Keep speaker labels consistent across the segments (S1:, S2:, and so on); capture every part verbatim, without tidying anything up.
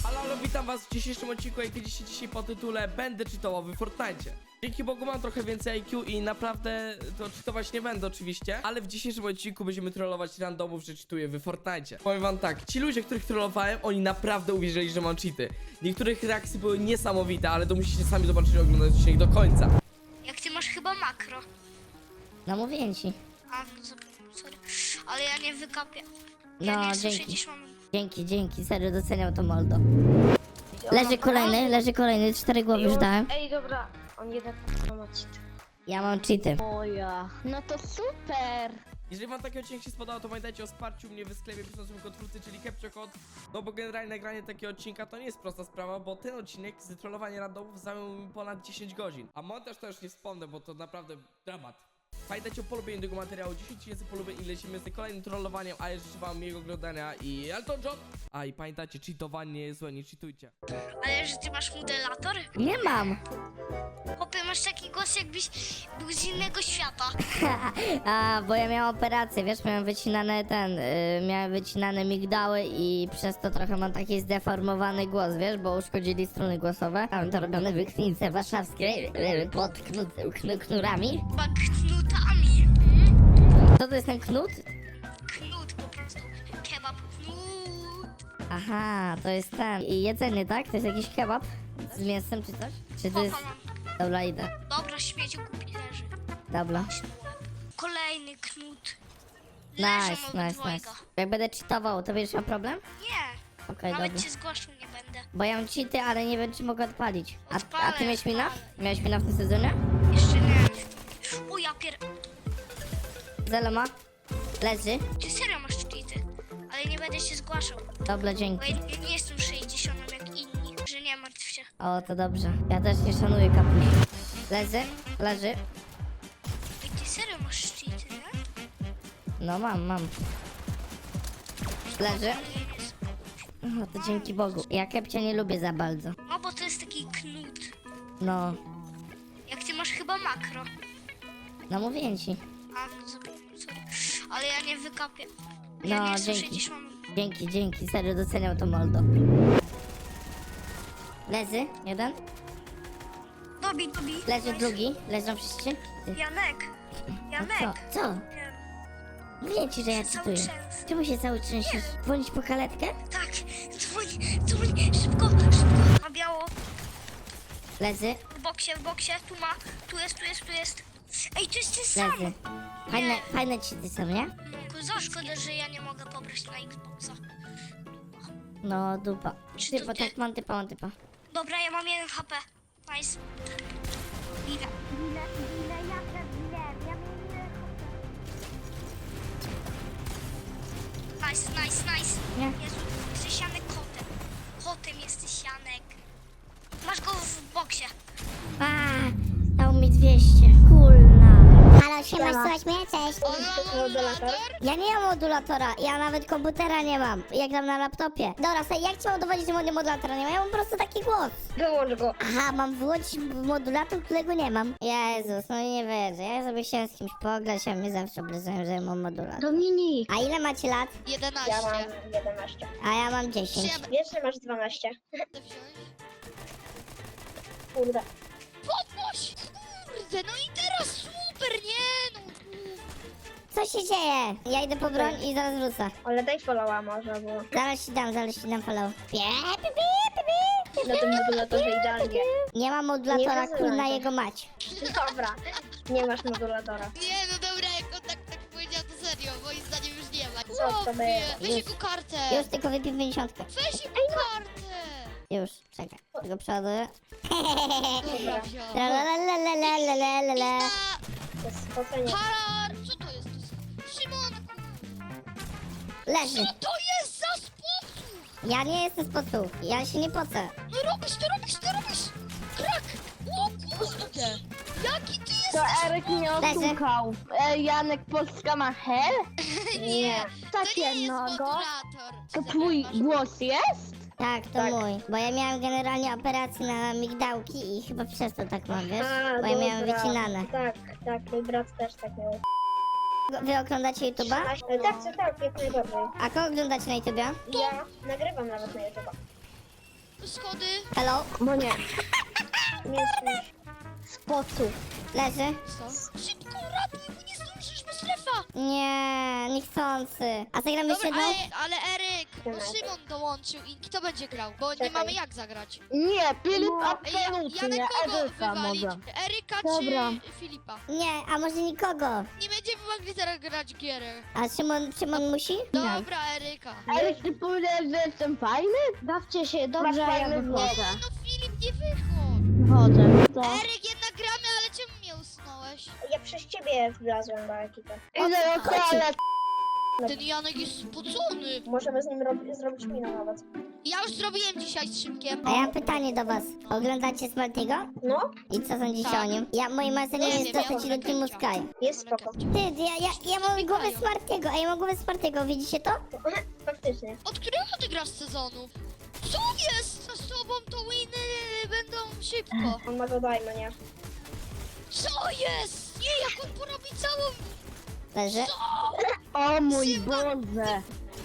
S1: Halo, halo, witam was w dzisiejszym odcinku, jak widzicie dzisiaj po tytule będę cheatował w Fortnite. Dzięki Bogu mam trochę więcej I Q i naprawdę to cheatować nie będę oczywiście, ale w dzisiejszym odcinku będziemy trollować randomów, że cheatuję w Fortnite. Powiem wam tak, ci ludzie, których trollowałem, oni naprawdę uwierzyli, że mam cheaty. Niektórych reakcje były niesamowite, ale to musicie sami zobaczyć i oglądać odcinek do końca.
S2: Jak ty masz chyba makro.
S3: No mówię ci.
S2: A, no zapomniałem, sorry. Ale ja nie wykapię. Ja
S3: No,
S2: nie chcę
S3: dzięki.
S2: przecież mam...
S3: Dzięki, dzięki, serio doceniam to Moldo. Leży kolejny, leży kolejny, cztery głowy już dałem.
S4: Ej, dobra, on jednak ma cheat.
S3: Ja mam cheaty.
S4: O ja. No to super!
S1: Jeżeli wam taki odcinek się spodobał, to pamiętajcie o wsparciu mnie w sklepie piszącym kod twórcy, czyli CaptureCode. No bo generalnie nagranie takiego odcinka to nie jest prosta sprawa, bo ten odcinek z trollowania randomów zajął mi ponad dziesięć godzin. A montaż to już nie wspomnę, bo to naprawdę dramat. Pamiętajcie o polubieniu tego materiału, dziesięć tysięcy polubień i lecimy z kolejnym trollowaniem, a ja życzę wam miłego oglądania i Elton John! A i pamiętajcie, cheatowanie jest złe, nie cheatujcie.
S2: Ale że ty masz modelator?
S3: Nie mam.
S2: Chłopie, masz taki głos, jakbyś był z innego świata.
S3: A, bo ja miałam operację, wiesz, miałem wycinane ten, y, miałem wycinane migdały i przez to trochę mam taki zdeformowany głos, wiesz, bo uszkodzili struny głosowe. Mam to robione w klinice warszawskiej y, pod knut, knu, knurami.
S2: Chyba knutami. Hmm?
S3: Co to jest ten knut?
S2: Knut po prostu. Kebab knut.
S3: Aha, to jest ten. I jedzenie, tak? To jest jakiś kebab z mięsem czy coś? Czy to jest...
S2: Kocha mam.
S3: Dobra, idę.
S2: Dobra, śmieciu kupi leży.
S3: Dobra.
S2: Kolejny knut. Leżą
S3: Nice, nice,
S2: obydwojga.
S3: nice. Jak będę cheatował, to będziesz miał problem?
S2: Nie,
S3: Okej,
S2: nawet
S3: dobra.
S2: cię zgłaszał nie będę.
S3: Bo ja mam cheaty, ale nie wiem, czy mogę odpalić. A, a
S2: Odpalę,
S3: ty miałeś mina?
S2: odpalę.
S3: Miałeś mina w tym sezonie?
S2: Jeszcze nie. O ja pier...
S3: Zelo ma? Leży?
S2: Ty serio masz cheaty, ale nie będę się zgłaszał.
S3: Dobra,
S2: Bo
S3: dzięki.
S2: ja, ja nie jestem sześćdziesiątym jak inni, że nie martw się.
S3: O, to dobrze. Ja też nie szanuję kapuś. Leży? Leży?
S2: I ty serio masz cheaty, nie?
S3: No mam, mam. Leży?
S2: Ale ja nie jestem.
S3: No to dzięki Bogu. Ja kepcia nie lubię za bardzo.
S2: No bo to jest taki knut.
S3: No,
S2: Jak ty masz chyba makro.
S3: no mówię ci.
S2: A, no zapomniałem, sorry. Ale ja nie wykapię. Ja
S3: No,
S2: nie jestem
S3: dzięki.
S2: sześćdziesiątym.
S3: Dzięki, dzięki. Serio doceniam to Moldo. Leży? Jeden?
S2: Dobi, dobi.
S3: Leży drugi. Leżą wszyscy? Ty.
S2: Janek.
S3: A
S2: Janek.
S3: co? Co?
S2: Nie.
S3: Mówię ci, że ja
S2: Się cały
S3: czytuję.
S2: trzęsę.
S3: Czemu się cały trzęsiesz? Dzwonić po karetkę?
S2: Tak, dzwoń, dzwoń, szybko, szybko. Na biało.
S3: Leży?
S2: W boksie, w boksie, tu ma, tu jest, tu jest, tu jest. Ej, to jest ten sam.
S3: Leży. Fajne, fajne ci ty są, nie?
S2: No, za szkoda, że ja nie mogę pobrać na Xboxa.
S3: No dupa.
S2: Czy
S3: Ty,
S2: to
S3: bo
S2: ty?
S3: tak mam typa, mam typa.
S2: Dobra, ja mam jeden H P. Nice. Ile? Ile, ile, ja też ile, ja mam jeden H P. Nice, nice, nice.
S3: Nie?
S2: Jezu, jesteś Janek kotem. Kotem jesteś Janek. Masz go w boksie.
S3: A, dał mi dwieście. Kulna.
S5: Halo, siema, słuchaj mnie? Cześć.
S3: Ja nie mam modulatora, ja nawet komputera nie mam. Jak gram na laptopie. Dobra, słuchaj, jak ci mam udowodnić, że mod- modulatora nie mam? Ja mam po prostu taki głos.
S4: Wyłącz go.
S3: Aha, mam wyłączyć modulator, którego nie mam. Jezus, no nie wierzę. Ja sobie chciałem z kimś pograć, a mnie zawsze obrażają, że mam modulator.
S4: Dominik.
S3: A ile macie lat?
S2: jedenaście.
S4: Ja mam jedenaście.
S3: A ja mam dziesięć.
S4: Wiesz, że masz dwanaście. Kurde.
S2: Podnoś! Kurde, no i teraz super, nie no.
S3: Co się dzieje? Ja idę po broń i zaraz wrócę.
S4: Ale daj followa może, bo
S3: Zaraz ci dam, zaraz ci dam follow. Pie, pi, pi, pi, pi.
S4: na tym modulatorze idealnie.
S3: Nie ma modulatora,
S4: Nie
S3: kurna
S4: wyzywaj.
S3: jego mać.
S4: Dobra, nie masz modulatora.
S6: Nie, no dobra, jak on tak, tak powiedział, to serio, moim zdaniem już nie ma.
S4: Co to
S6: Chłopie,
S4: było?
S6: weź
S3: Już.
S6: jego kartę!
S3: Już tylko wypię pięćdziesiątkę.
S6: Weź jego kartę!
S3: Już, czekaj. Tylko przoduję.
S4: Dobra,
S3: Tralalalalalalala.
S4: to jest spocenie.
S6: Harar! Co to jest? To jest... Szymon!
S3: Leży.
S6: Co to jest za sposób?
S3: Ja nie jestem z podsłuch. Ja się nie pocę.
S6: No robisz to, robisz to, robisz! Krak! O kurde! Jaki ty
S4: To
S6: jesteś?
S4: Eryk nie
S3: Leży.
S4: osłuchał. E, Janek Polska ma hel? Nie.
S6: To
S4: Tak
S6: nie jest
S4: jednego.
S6: modulator!
S4: To twój głos jest?
S3: Tak, to
S4: Tak.
S3: mój. Bo ja miałem generalnie operację na migdałki i chyba przez to tak mam, wiesz? Bo ja miałem
S4: dobra.
S3: wycinane.
S4: Tak, tak, mój brat też tak miał.
S3: Wy oglądacie YouTube'a?
S4: E, Tak, tak, tak, jak najbardziej.
S3: A kogo oglądacie na YouTube'a?
S4: Ja nagrywam nawet na YouTube.
S6: schody.
S3: Hello?
S4: Bo nie. Nie słyszę. Spocu.
S3: Leży?
S6: Co? Szybko, ratuj, bo nie zdążysz, bo strefa.
S3: Nie, niechcący. A zagramy jeszcze
S6: Dobra,
S3: jedną?
S6: ale, ale Eryk, bo Szymon dołączył i kto będzie grał? Bo nie
S4: Czekaj.
S6: mamy jak zagrać.
S4: Nie, Filip
S6: Ej, ja,
S4: absolutnie,
S6: Janek kogo
S4: Eryka
S6: wywalić?
S4: może.
S6: Eryka
S4: Dobra.
S6: czy Filipa?
S3: Nie, a może nikogo?
S6: Nie będziemy mogli teraz grać gierę.
S3: A Szymon, Szymon musi?
S6: Dobra, Eryka.
S4: Eryk, ty powiedziałeś, że jestem fajny? Bawcie się, dobrze, ja
S6: Nie,
S4: wychodzę.
S6: no Filip, nie wychodź.
S4: Wychodzę. Co?
S6: Eryk, jednak gramy, ale czemu mnie usunąłeś?
S2: Ja przez ciebie wlazłem do ekipy.
S4: Idę do toalety.
S6: Ten Janek jest spocony.
S2: Możemy z nim rob- zrobić minę nawet.
S6: Ja już zrobiłem dzisiaj z Szymkiem.
S3: A ja mam pytanie do was. Oglądacie Smartiego?
S2: No,
S3: I co sądzicie
S6: Tak.
S3: o nim? Ja, moim marzeniem
S6: Nie
S3: jest
S6: wiem,
S3: dostać
S6: ja
S3: się do teamu
S6: mam
S3: Sky.
S2: jest spoko.
S3: Ty, ja, ja, ja mam głowę Smartiego, a ja mam głowę Smartiego, widzicie to?
S2: Faktycznie.
S6: Od którego ty grasz sezonu? Co jest? Z tobą to winy będą szybko.
S2: On ma go dajmy, nie?
S6: Co jest? Nie, jak on porobi całą...
S3: Leży?
S4: O mój
S6: Szymon!
S4: Boże.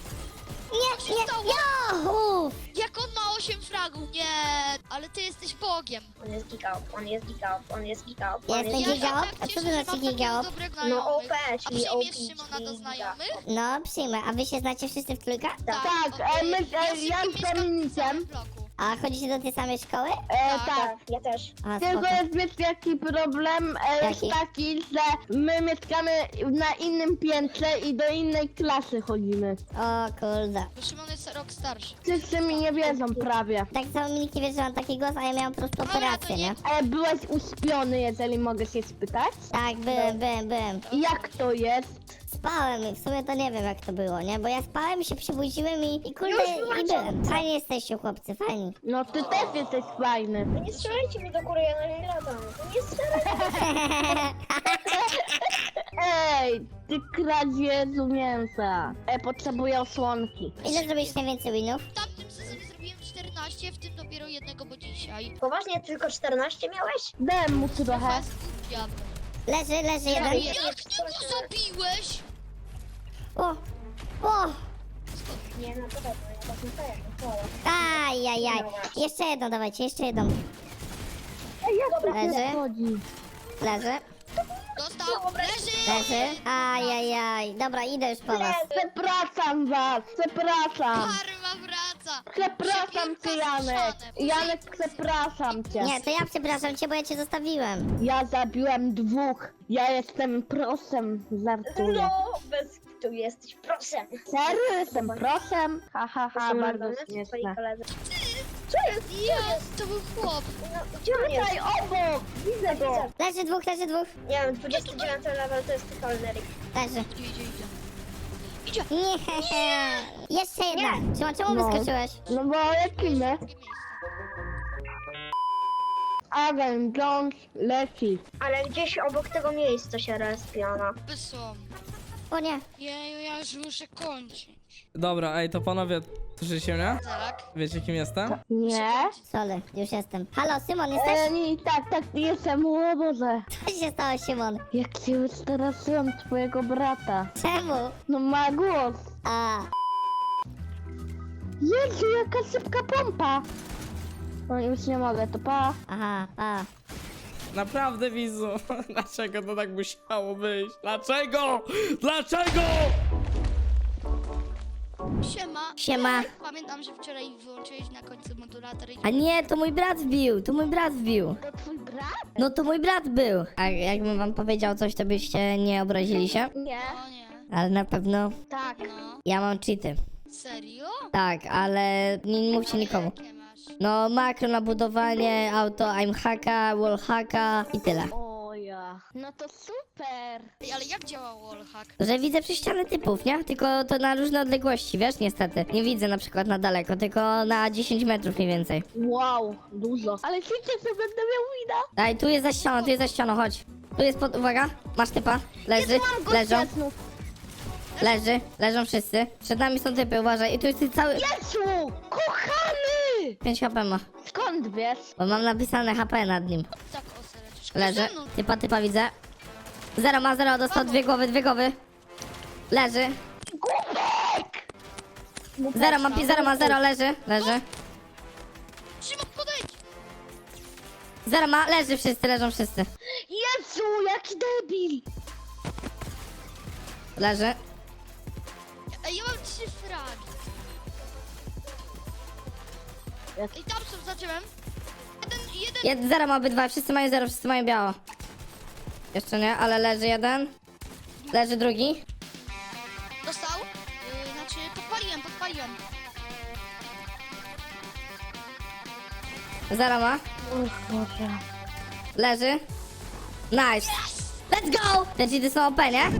S6: Co się stało?
S3: Uff!
S6: Jak on ma osiem fragów? Nie, ale ty jesteś Bogiem.
S2: On jest giga up, on jest giga up, on jest giga up, on
S3: Jesteś
S2: jest
S3: giga
S2: giga
S3: up?
S2: up.
S3: A co to znaczy giga up?
S2: No O P,
S6: A
S2: czyli O
S6: przyjmiesz
S2: P,
S6: Szymona do
S2: czyli
S6: znajomych?
S3: No, przyjmę. A wy się znacie wszyscy w trójkę?
S2: Tak.
S4: Tak,
S6: o,
S4: e, my-
S6: y,
S4: e,
S6: z
S4: ja
S6: Szymkiem
S4: z
S6: mieszkam w tym
S4: Dominikiem.
S6: samym bloku.
S3: A chodzicie do tej samej szkoły?
S4: E,
S6: Tak.
S4: tak.
S2: Ja też.
S3: A,
S4: Tylko
S3: spoko.
S4: jest wiesz jaki problem e, jest
S3: Jaki?
S4: taki, że my mieszkamy na innym piętrze i do innej klasy chodzimy.
S3: O kurde.
S6: Bo Szymon jest rok starszy.
S4: Wszyscy mi nie wiedzą prawie.
S3: Tak samo mi nikt nie wie, że mam taki głos, a ja miałam po prostu
S6: Dobra,
S3: operację,
S6: to nie-
S3: nie?
S4: Ale byłeś uśpiony, jeżeli mogę się spytać?
S3: Tak, byłem, byłem, byłem.
S4: I jak to jest?
S3: Spałem i w sumie to nie wiem jak to było, nie? Bo ja spałem, się przebudziłem i, i kurde,
S2: Już
S3: i byłem. Fajnie jesteście chłopcy, fajni.
S4: No ty też jesteś fajny.
S2: No nie strzelajcie mi do góry, ja na nie latam. No nie strzelajcie.
S4: Ej, ty kradziezu mięsa. E, potrzebuję osłonki.
S3: Ile zrobiłeś najwięcej winów?
S6: W tamtym sezonie zrobiłem czternaście, w tym dopiero jednego, bo dzisiaj.
S2: Poważnie, tylko czternaście miałeś?
S4: Dałem mu trochę.
S6: Fast food jadłem.
S3: Leży, leży jeden.
S2: nie-
S6: Jak ty go zabiłeś?
S3: O! O!
S2: Nie, na pewno, ja tak nie powiem.
S3: Ajajaj. Jeszcze jedną dawajcie, jeszcze jedną.
S4: Ej, jak to
S3: Leży.
S4: się chodzi?
S3: Leży,
S6: Dostał, leży!
S3: leży. Ajajaj. Dobra, idę już po was.
S4: Przepraszam was, przepraszam.
S6: Karma wraca!
S4: Przepraszam cię, Janek. Janek, przepraszam cię.
S3: Nie, to ja przepraszam cię, bo ja cię zostawiłem.
S4: Ja zabiłem dwóch. Ja jestem prosem, żartuję.
S2: No, bez tu jesteś, proszę.
S4: Serio, jestem prosem? Ha, ha, ha,
S2: Proszę
S4: bardzo
S2: bardzo, twoi
S4: śmieszne.
S2: koledzy.
S6: Jest, to był chłop.
S2: No, gdzie on jest?
S4: Tutaj obok, widzę go.
S3: Leży dwóch, leży dwóch.
S2: Nie wiem, dwudziesty dziewiąty level to jest totalny Eryk.
S3: Leży.
S6: Idzie, idzie, idzie.
S3: Nie. Jeszcze jedna. Czemu, czemu
S4: No.
S3: wyskoczyłeś?
S4: No bo lecimy.
S6: Drugie miejsce.
S4: Agent Jones leci.
S2: Ale gdzieś obok tego miejsca się respiona.
S6: Są.
S3: O nie.
S6: Jeju, ja już muszę kończyć.
S1: Dobra, ej, to panowie, słyszycie mnie?
S6: Tak.
S1: Wiecie kim jestem?
S4: Nie?
S3: Sorry, już jestem. Halo, Szymon, jesteś?
S4: E, nie, tak, tak, jestem, o Boże.
S3: Co się stało, Szymon?
S4: Jak się wystraszyłem twojego brata.
S3: Czemu?
S4: No ma głos.
S3: A,
S4: Jezu, jaka szybka pompa. No już nie mogę, to pa.
S3: aha, a.
S1: Naprawdę, widzu. Dlaczego to tak musiało być? Dlaczego? Dlaczego?
S6: Siema.
S3: Siema.
S6: Pamiętam, że wczoraj wyłączyłeś na końcu modulator i...
S3: A nie, to mój brat wbił, to mój brat wbił.
S4: To twój brat?
S3: No to mój brat był. A jakbym wam powiedział coś, to byście nie obrazili się?
S4: Nie.
S6: O nie.
S3: Ale na pewno
S4: Tak.
S6: No.
S3: ja mam cheaty.
S6: Serio?
S3: Tak, ale nie mówcie nikomu.
S6: Jakie masz?
S3: No makro na budowanie, auto aim hacka, wall hacka i tyle.
S4: O ja. No to super.
S6: Ej, ale jak działa wallhack?
S3: Że widzę przez ścianę typów, nie? Tylko to na różne odległości, wiesz, niestety. Nie widzę na przykład na daleko, tylko na dziesięć metrów mniej więcej.
S4: Wow, dużo. Ale wiecie, że będę miał wina?
S3: Daj, tu jest za ścianą, tu jest za ścianą, chodź. Tu jest pod... uwaga, masz typa. Leży, leżą, leży, leżą wszyscy. Przed nami są typy, uważaj. I tu jest cały...
S4: Jezu, kochany!
S3: pięć H P ma.
S4: Skąd wiesz?
S3: Bo mam napisane H P nad nim.
S6: Tak, o sereczko.
S3: Leży.
S6: Ze mną.
S3: Typa, typa widzę. Zero ma, zero, dostał dwie głowy, dwie głowy. Leży. Zero ma, pi- zero ma, zero, leży, leży. Zero ma, leży wszyscy, leżą wszyscy.
S4: Jezu, jaki debil!
S3: Leży.
S6: Ej, ja mam trzy fragi.
S4: Jak-
S6: Ej, tam są za drzewem. Jeden, jeden.
S3: Jed, zero ma obydwa, wszyscy mają zero, wszyscy mają biało. Jeszcze nie, ale leży jeden. Leży drugi.
S6: Dostał? Yy, znaczy, podpaliłem, podpaliłem.
S3: Zero ma.
S4: O Boże.
S3: Leży. Nice. Let's go! Te cheaty są O P, nie?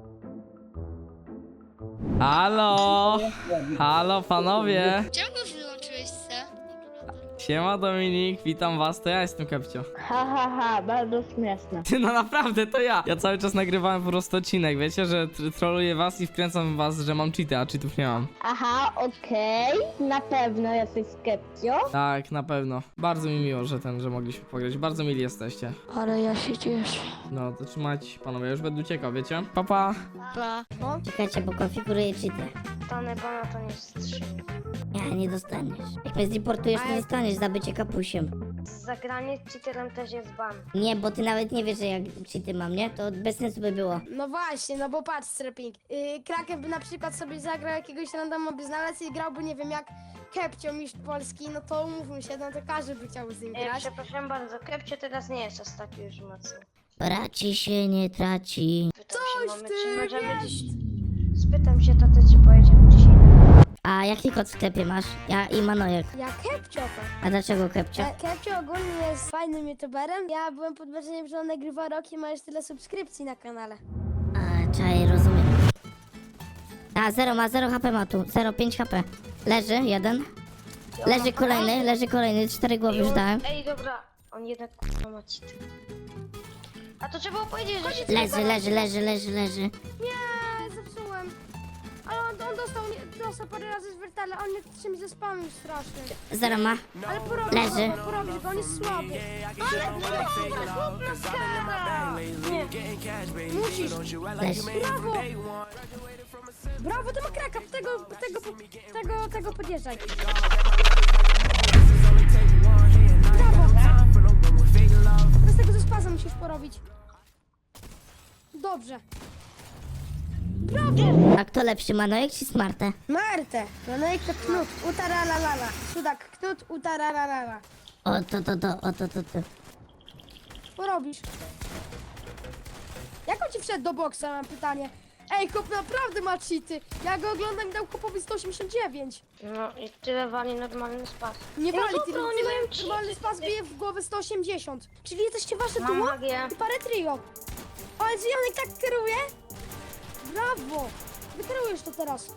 S1: Halo! Halo panowie!
S6: Czemu już wyłączyłeś se?
S1: Siema Dominik, witam was, to ja jestem Kepcio.
S4: Ha, ha, ha, bardzo śmieszne.
S1: Ty, no naprawdę, to ja. Ja cały czas nagrywałem po prostu odcinek, wiecie, że tr- troluję was i wkręcam was, że mam cheaty, a cheatów nie mam.
S4: Aha, okej, na pewno jesteś skepcio.
S1: Tak, na pewno. Bardzo mi miło, że ten, że mogliśmy pograć. Bardzo mili jesteście.
S4: Ale ja się cieszę.
S1: No, to trzymajcie się panowie, ja już będę uciekał, wiecie? Pa, pa.
S6: Pa.
S3: Czekajcie, bo konfiguruję cheaty.
S2: Tony Bona to nie wstrzymie.
S3: Nie, nie dostaniesz. Jak mnie zdeportujesz, nie dostaniesz za bycie kapusiem.
S2: Zagranie z cheaterem też jest ban.
S3: Nie, bo ty nawet nie wiesz, że jak cheaty mam, nie? To bez sensu by było.
S7: No właśnie, no bo patrz, Streping. Yy, Kraken by na przykład sobie zagrał jakiegoś randoma by znalazł i grałby, nie wiem, jak Kepcio, mistrz Polski, no to umówmy się, no to każdy by chciał z nim
S2: E,
S7: grać.
S2: przepraszam bardzo, Kepcio teraz nie jest aż taki już mocny.
S3: Traci się, nie traci.
S2: Pytam się
S7: Coś
S2: mamy,
S7: ty
S2: czy możemy
S7: wiesz.
S2: dziś... Spytam się tatę, czy pojedziemy dzisiaj.
S3: A jaki kod w sklepie masz? Ja i Manojek.
S7: Ja Kepcio to.
S3: A dlaczego Kepcio?
S7: E, Kepcio ogólnie jest fajnym youtuberem. Ja byłem pod wrażeniem, że on nagrywa rok i ma już tyle subskrypcji na kanale.
S3: A, czaj, rozumiem. A, zero ma, zero H P ma tu. Zero, pięć H P. Leży, jeden. Leży kolejny, leży kolejny. Cztery głowy już dałem.
S2: Ej, dobra, on jednak k***a ma cheaty. A to trzeba było powiedzieć, że się...
S3: Leży, leży, leży, leży, leży.
S7: Nie, zepsułem. Ale on, on dostał, nie, dostał parę razy z wertala, on mnie czymś zespamił strasznie.
S3: Zero ma.
S7: Ale porobisz
S3: Leży.
S7: go, porobisz go, on jest słaby. Ale dobra, chłop na skara! Nie. Musisz.
S3: Leży.
S7: Brawo! Brawo, ty ma kraka, tego, tego, tego, tego podjeżdżaj. Brawo! Teraz tego ze spazem musisz porobić. Dobrze. Brawo!
S3: A kto lepszy, Manojek czy Smarte?
S7: Marte, Manojek to Knut, utaralalala. Sudak, Knut, utaralalala.
S3: O, to, to, to, o, to, to, to.
S7: Porobisz. Jak on ci wszedł do boksa, mam pytanie. Ej, chłop naprawdę ma cheaty. Ja go oglądam i dał chłopowi sto osiemdziesiąt dziewięć.
S2: No i tyle wali normalny spas.
S7: Nie wali,
S2: no
S7: ty
S2: dobra, oni mają cheaty.
S7: normalny spas bije w głowę sto osiemdziesiąt. Czyli jesteście wasze
S2: Mam
S7: duo
S2: magię.
S7: i parę trio. Ale czy Janek tak kieruje? Brawo! Wykierujesz to teraz.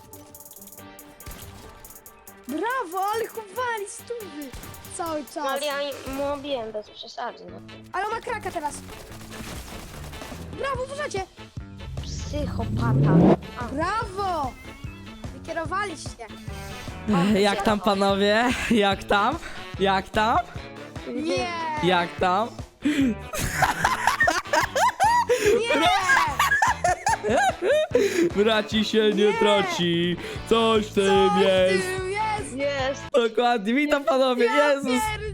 S7: Brawo, ale chowali stówy cały
S2: No
S7: czas.
S2: ale ja mu obiłem bez przesady, no.
S7: Ale on ma kraka teraz. Brawo, uważajcie.
S2: Psychopata. A,
S7: Brawo! Wykierowaliście.
S1: Jak tam panowie? Jak tam? Jak tam?
S7: Nie!
S1: Jak tam?
S7: Nie!
S1: Braci się nie traci, coś w tym
S7: Coś w
S1: jest.
S7: tym jest!
S2: jest.
S1: Dokładnie, witam panowie,
S7: Ja
S1: Jezus.
S7: pierdzielę.